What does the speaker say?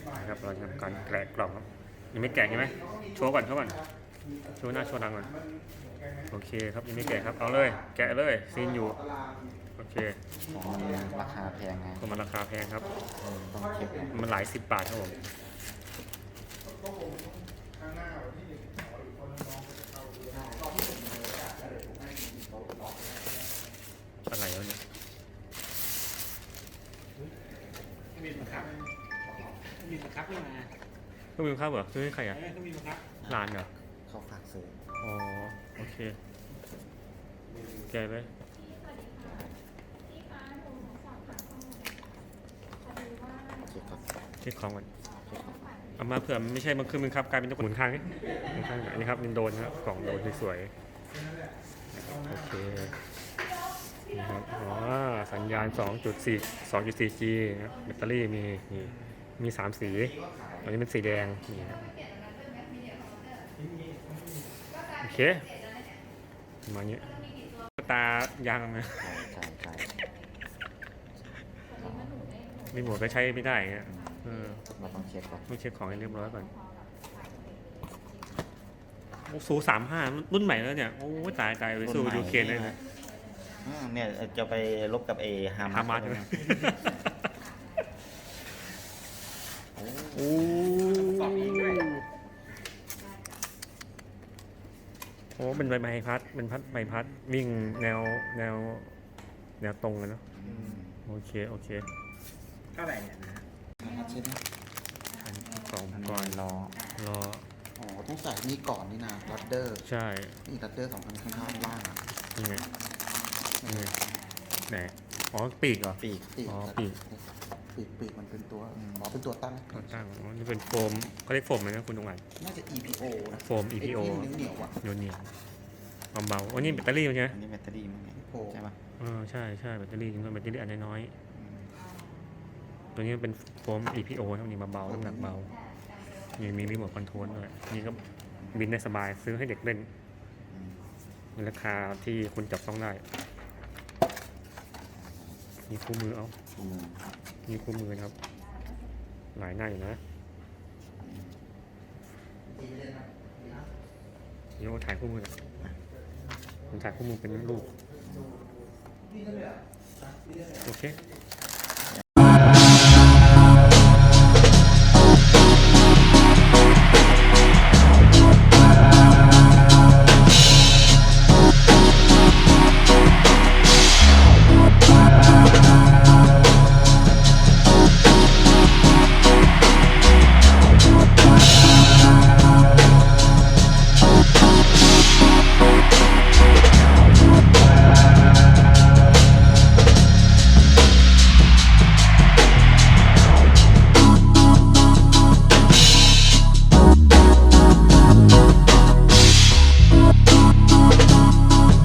นะครับเราทำการแกะกล่องครับยังไม่แกะใช่ไหมโชว์ก่อนโชว์หน้าโชว์หลังก่อนโอเคครับยังไม่แกะครับเอาเลยแกะเลยซีนอยู่โอเคของมันราคาแพงไงก็มันราคาแพงครับต้องเช็คมันหลาย10 บาทครับผมอะไรวะเนี่ยมีบังคับมีบังคับไม่มาก็มีข้าวเหรอซื้อให้ใครอ่ะก็มีบังคับร้านเหรอเขาฝากซื้ออ๋อโอเคแกะเลยเช็คของก่อนเอามาเผื่อไม่ใช่มันคือมันครับกลายเป็นตัวหมุนข้างนี่หมุนข้างอันนี้ครับมันโดนครับกล่องโดนสวยๆโอเคนี่ครับอ๋อสัญญาณ 2.4G นะแบตเตอรี่มี3สีอันนี้เป็นสีแดงนี่ครับโอเคมาเนี้ยตายางนะใช่รีโมทก็ใช้ไม่ได้เงี้ยเราต้องเช็คก่อนต้องเช็คของให้เรียบร้อยก่อนซู35รุ่นใหม่แล้วเนี่ยโอ้ตายไปสู้ยูเคนได้เลยเนี่ยจะไปลบกับฮามาสใช่ไหมโอ้เป็นใบพัดเป็นใบพัดวิ่งแนวตรงเลยเนาะโอเคเท่าไหร่เนี่ยนะเช็คนะของก่อนรออ๋อต้องใส่นี่ก่อนนี่นะรัดเดอร์ใช่นี่รัดเดอร์2 อันข้างล่างนี่ไงไหนอ๋อปีกเหรอปีกอ๋อปีกมันเป็นตัวเป็นตัวตั้งอ๋อนี่เป็นโฟมเขาเรียกโฟมไหมนะคุณตรงไหนน่าจะ EPO นะโฟม EPO เหนียวอ่ะเหนียวเบาๆอันนี้แบตเตอรี่ใช่ไหมอันนี้แบตเตอรี่มั้งเนี่ยใช่ป่ะใช่แบตเตอรี่จริงๆแบตเตอรี่อันน้อยตัวนี้เป็นโฟม EPO เท่านี้เบาๆน้ำหนักเบามีรีโมทคอนโทรลด้วยนี่ก็บินได้สบายซื้อให้เด็กเล่นในราคาที่คุณจับต้องได้มีคู่มือมีคู่มือครับหลายหน้าอยู่นะเดี๋ยวถ่ายคู่มือผมถ่ายคู่มือเป็นรูปโอเค